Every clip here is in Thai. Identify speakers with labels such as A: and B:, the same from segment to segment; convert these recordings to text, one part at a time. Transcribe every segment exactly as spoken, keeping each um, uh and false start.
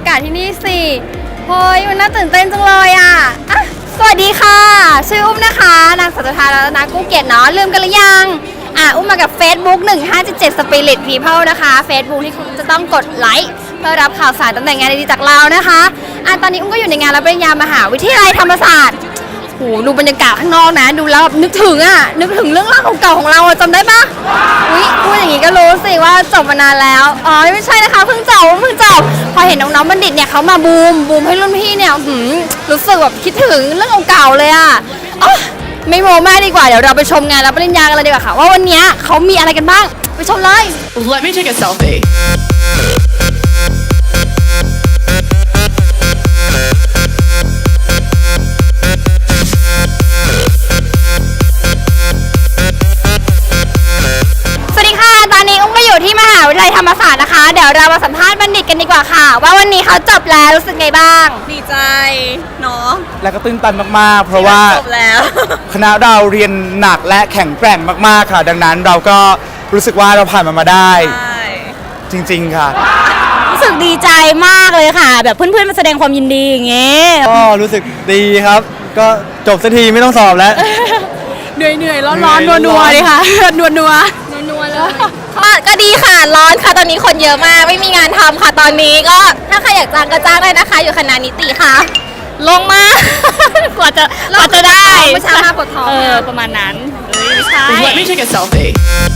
A: ากาศที่นี่สิเฮ้ยมันน่าตื่นเต้นจังเลยอ่ะอ่ะสวัสดีค่ะชื่ออุ้มนะคะนางสัจธารัตนกู้เกียรติเนาะลืมกันหรือยังอ่ะอุ้มมากับ Facebook หนึ่งห้าเจ็ดเจ็ด Spirit People นะคะ Facebook ที่คุณจะต้องกดไลค์เพื่อรับข่าวสารตำแหน่งงานดีๆจากเรานะคะอ่ะตอนนี้อุ้มก็อยู่ในงานรับปริญญามหาวิทยาลัยธรรมศาสตร์โหดูบรรยากาศข้างนอกนะดูแล้วนึกถึงอ่ะนึกถึงเรื่องราวเก่าๆของเราจำได้ปะอุ๊ยพูดอย่างนี้ก็รู้สิว่าจบมานานแล้วอ๋อไม่ใช่นะคะเพิ่งจบเพิ่งจบพอเห็นน้องๆบัณฑิตเนี่ยเขามาบูมบูมให้รุ่นพี่เนี่ยหืมรู้สึกแบบคิดถึงเรื่องเก่าๆเลยอ่ะอ๋อไม่โม้มากดีกว่าเดี๋ยวเราไปชมงานรับปริญญากันเลยดีกว่าค่ะว่าวันนี้เขามีอะไรกันบ้างไปชมเลย
B: Let me take a selfie.
A: สวัสดีค่ะตอนนี้อุ้มก็อยู่ที่มหาวิทยาลัยธรรมศาสตร์นะคะเดี๋ยวเรามาสัมภาษณ์บัณฑิตกันดีกว่าค่ะว่าวันนี้เขาจบแล้วรู้สึกไงบ้าง
C: ดีใจเนาะ
D: และก็ตื้นตันมากๆ เพราะว่า
C: จบแล้ว
D: คณะเราเรียนหนักและแข็งแกร่งมากๆค่ะ ดังนั้นเราก็รู้สึกว่าเราผ่านมันมาได้
C: ใช่
D: จริงๆค่ะ
C: รู้สึกดีใจมากเลยค่ะ แบบเพื่อนๆมาแสดงความยินดีอย่างเงี้ย
D: ก็รู้สึกดีครับ ก็จบสักทีไม่ต้องสอบแล้ว
C: เหนื่อยเหนื่อยร้อน
D: เหนื่
C: ร้อ
D: อน ย
C: นัวนัว
D: ร้อน
C: เลยค่ะ นัวนัว
A: นัวๆเลย
C: ก็ดีค่ะร้อนค่ะตอนนี้คนเยอะมากไม่มีงานทำค่ะตอนนี้ก็ถ้าใครอยากจ้างก็จ้างได้นะคะ อยู่คณะนิติค่ะ ลงมาก กว่าจะกว่าจะได้
A: เมื่อเช้ามาปวดท้อง
C: เออประมาณนั้นเอ้ยไม่ใช่
B: Let me take a selfie.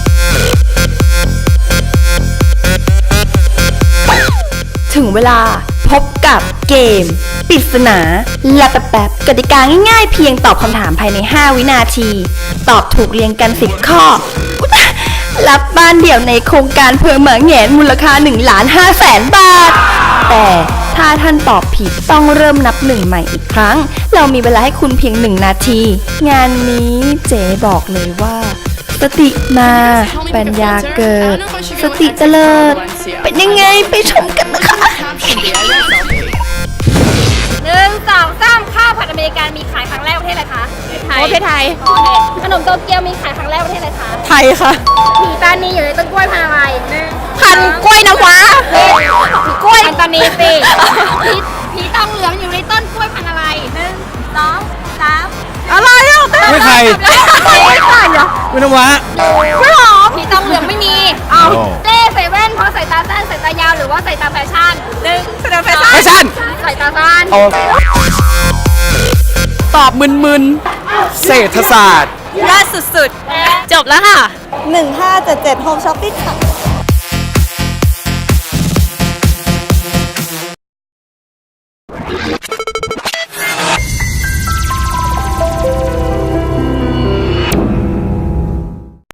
E: ถึงเวลาพบกับเกมปริศนาและแป๊บๆกติกาง่ายๆเพียงตอบคำถามภายใน ห้า วินาที ตอบถูกเรียงกัน สิบ ข้ออุ๊ยรับบ้านเดี่ยวในโครงการเพื่อเหมืองแหงนมูลค่า1ล้าน5แสนบาท แต่ถ้าท่านตอบผิดต้องเริ่มนับหนึ่งใหม่อีกครั้ง เรามีเวลาให้คุณเพียงหนึ่งนาที งานนี้เจ๊บอกเลยว่า สติมาปัญญาเกิด สติเจริญเป็นยังไงไปชมกันนะคะ
B: Caption the idea selfie.
A: หนึ่งสองสามข้าวผัดอเมริกันมีขายครั้งแรกประเทศอะไรคะไทย
C: ประเทศไทย
A: โอเคขนมโตเกียวมีขายครั้งแรกประเทศอะไรคะ
C: ไทยค่ะ
A: ผีตานีอยู่ในต้นกล้วยพันธุ์อะไรหนึ่ง
C: พันกล้วยน้ำว้า
A: ผีกล้วยพันธุ์ตานีสิผีผีตองเหลืองอยู่ในต้นกล้วยพันธุ์อะไรหนึ่งสองสาม
C: อะไรอ่ะ
D: ไม่ใคร
A: ไม่ใช่เหรอ
D: ไม่ต้องวะ
A: ไม่หรอผีตองเหลืองไม่มีเอา
D: โอ้
A: เล่ใส่แว่นเพราะสายตาสั้นสายตายาวหรือว่าสายตาแฟชั่นหนึ่ง
C: แสดงแฟชั่น
D: แฟชั่น
A: สายตาสั้น
D: เอา
C: ตอบมึน
D: เศรษฐศาสตร์
C: ๆยากสุดๆ จบแล้วค่ะ
F: หนึ่งห้าเจ็ดเจ็ด Home Shopping ค่ะ